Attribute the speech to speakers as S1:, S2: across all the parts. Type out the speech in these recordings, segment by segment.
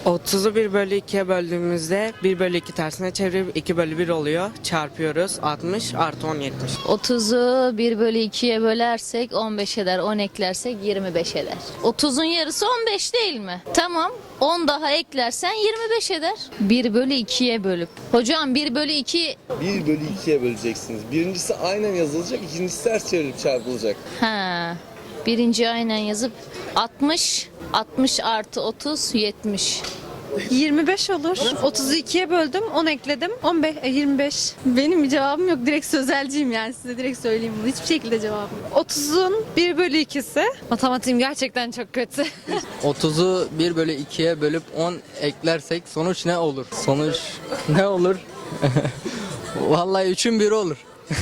S1: 30'u 1 bölü 2'ye böldüğümüzde 1 bölü 2 tersine çevirip 2 bölü 1 oluyor. Çarpıyoruz. 60 artı 10 70.
S2: 30'u 1 bölü 2'ye bölersek 15 eder. 10 eklersek 25 eder. 30'un yarısı 15 değil mi? Tamam. 10 daha eklersen 25 eder. 1 bölü 2'ye bölüp. Hocam 1 bölü 2...
S3: 1 bölü 2'ye böleceksiniz. Birincisi aynen yazılacak, ikincisi ters çevirip çarpılacak.
S2: Ha. Birinci aynen yazıp 60. 60 artı 30 70.
S4: 25 olur. 32'ye böldüm, 10 ekledim. 15, 25.
S5: Benim bir cevabım yok. Direkt sözelciyim yani. Size direkt söyleyeyim bunu. Hiçbir şekilde cevabım yok.
S4: 30'un 1 bölü 2'si. Matematiğim gerçekten çok kötü.
S6: 30'u 1 bölü 2'ye bölüp 10 eklersek sonuç ne olur? Sonuç ne olur? Vallahi 3'ün 1'i olur.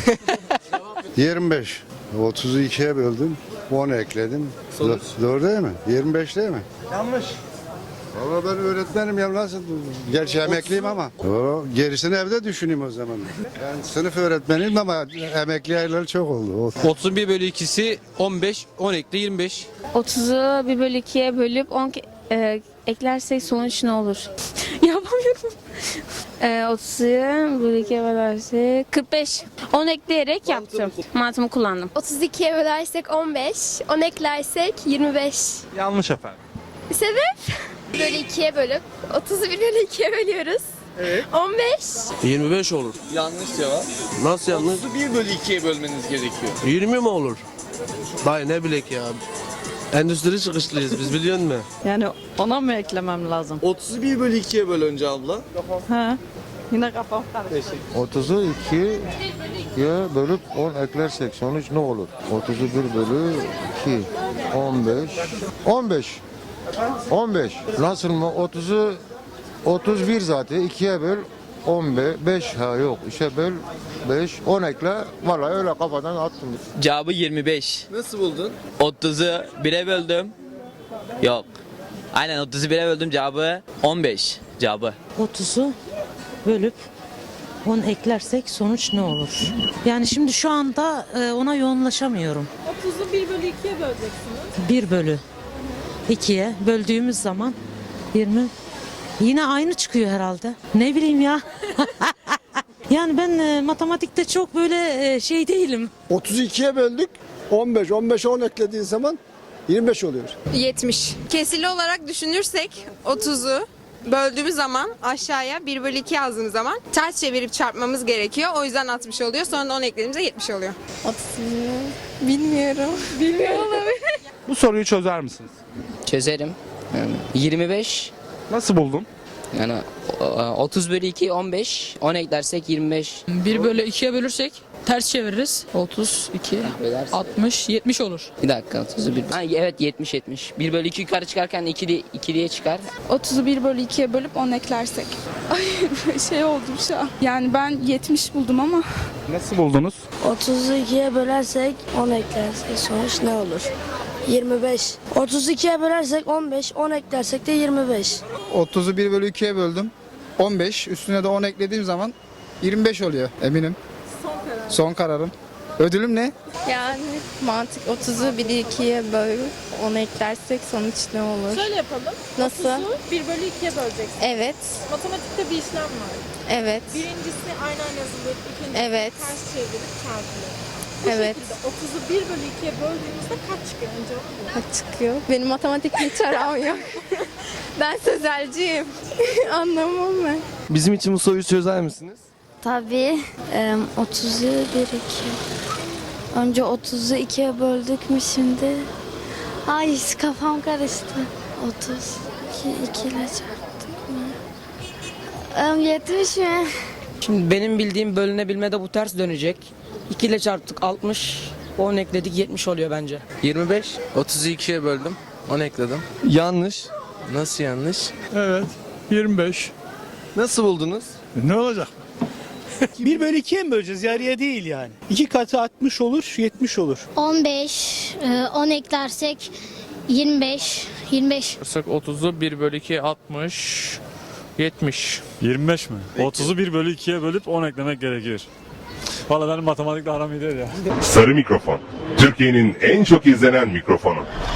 S7: 25. 30'u 2'ye böldüm. 10 ekledim.
S3: Sonuç?
S7: Doğru değil mi? 25 değil mi? Yanlış. Valla ben öğretmenim ya nasıl? Gerçi emekliyim ama. O, gerisini evde düşüneyim o zaman. Yani sınıf öğretmeniyim ama emekli ayları çok oldu.
S8: 31 bölü 2'si 15, 10 ekle 25.
S9: 30'u 1 bölü 2'ye bölüp 10 eklersek sonuç ne olur? Yapamıyorum. 30'u 1 bölü 2'ye bölersek 45. 10 ekleyerek yaptım. Mantığımı kullandım.
S10: 32'ye bölersek 15, 10 eklersek 25.
S8: Yanlış efendim.
S10: Sebep? Bölü 2'ye bölüp 30'u 1 bölü 2'ye bölüyoruz.
S3: Evet.
S10: 15.
S8: 25 olur.
S3: Yanlış cevap.
S8: Nasıl yanlış?
S3: 30'u 1 bölü 2'ye bölmeniz gerekiyor.
S8: 20 mi olur? Dayı ne bilek ya. Endüstri çıkışlıyız biz biliyor musun?
S4: Yani ona mı eklemem lazım?
S3: 30'u 1 bölü 2'ye böl önce abla.
S4: Ha. Yine kafam karıştı.
S11: 30'u 2'ye bölüp 10 eklersek sonuç ne olur? 30'u 1 bölü 2, 15. 15. 15. Nasıl mı? 30'u 31 zaten 2'ye böl 15. 5 ha yok. İşte böl 5. 10 ekle. Vallahi öyle kafadan attım.
S6: Cevabı 25.
S3: Nasıl buldun?
S6: 30'u 1'e böldüm. Yok. Aynen 30'u 1'e böldüm, cevabı 15. Cevabı.
S12: 30'u bölüp 10 eklersek sonuç ne olur? Yani şimdi şu anda ona yoğunlaşamıyorum.
S4: 30'u 1 bölü 2'ye böleceksiniz.
S12: 1 bölü 2'ye böldüğümüz zaman 20. Yine aynı çıkıyor herhalde. Ne bileyim ya. Yani ben matematikte çok böyle şey değilim.
S11: 32'ye böldük. 15. 15'e 10 eklediğin zaman 25 oluyor.
S5: 70. Kesili olarak düşünürsek 30'u böldüğümüz zaman aşağıya 1 bölü 2 yazdığımız zaman ters çevirip çarpmamız gerekiyor. O yüzden 60 oluyor. Sonra da 10 eklediğimizde 70 oluyor.
S10: 30'u bilmiyorum.
S8: Bu soruyu çözer misiniz?
S6: Çözerim. 25.
S8: Nasıl buldun?
S6: Yani 30 bölü 2 15. 10 eklersek 25.
S12: 1 bölü 2'ye bölürsek ters çeviririz. 32,
S6: Bölersin.
S12: 60, 70 olur.
S6: Bir dakika 30'u 1. Ha, evet 70 70. 1 bölü 2 yukarı çıkarken 2 diye çıkar.
S9: 30'u 1 bölü 2'ye bölüp 10 eklersek. Ay şey oldum şu an. Yani ben 70 buldum ama.
S8: Nasıl buldunuz?
S10: 30'u 2'ye bölersek 10 eklersek sonuç ne olur? 25. 32'ye bölersek 15, 10 eklersek de 25.
S11: 30'u 1 bölü 2'ye böldüm. 15. Üstüne de 10 eklediğim zaman 25 oluyor eminim. Son kararım. Ödülüm ne?
S9: Yani mantık 30'u 1 2'ye bölüp 10 eklersek sonuç ne olur?
S4: Şöyle yapalım.
S9: Nasıl?
S4: 30'u 1 bölü 2'ye böleceksin.
S9: Evet.
S4: Matematikte bir işlem var.
S9: Evet.
S4: Birincisi aynen yazılır, ikincisi
S9: Evet.
S4: ters çevirip çarpılır. Bu
S9: Evet.
S4: şekilde 30'u 1 bölü 2'ye böldüğümüzde kaç çıkıyor? Önce onu bul.
S9: Kaç çıkıyor? Benim matematikle hiç aram yok. Ben sözelciyim. Anlamam ben.
S8: Bizim için bu soruyu çözer misiniz?
S10: Tabii. 30'u 1, 2. Önce 30'u 2'ye böldük mü şimdi? Ay kafam karıştı. 32 ile çarptık mı? 70 mi?
S1: Şimdi benim bildiğim bölünebilmede bu ters dönecek. 2 ile çarptık 60. 10 ekledik 70 oluyor bence.
S6: 25. 30'u 2'ye böldüm. 10 ekledim.
S8: Yanlış.
S6: Nasıl yanlış?
S8: Evet. 25. Nasıl buldunuz?
S11: Ne olacak?
S8: 1 bölü 2'ye mi böleceğiz? Yarıya değil yani. 2 katı 60 olur, 70 olur.
S10: 15, 10 eklersek 25, 25.
S8: 30'u 1 bölü 2 60, 70.
S11: 25 mi? 30'u 1 bölü 2'ye bölüp 10 eklemek gerekir. Valla benim matematikle aram iyi değil ya.
S7: Sarı mikrofon. Türkiye'nin en çok izlenen mikrofonu.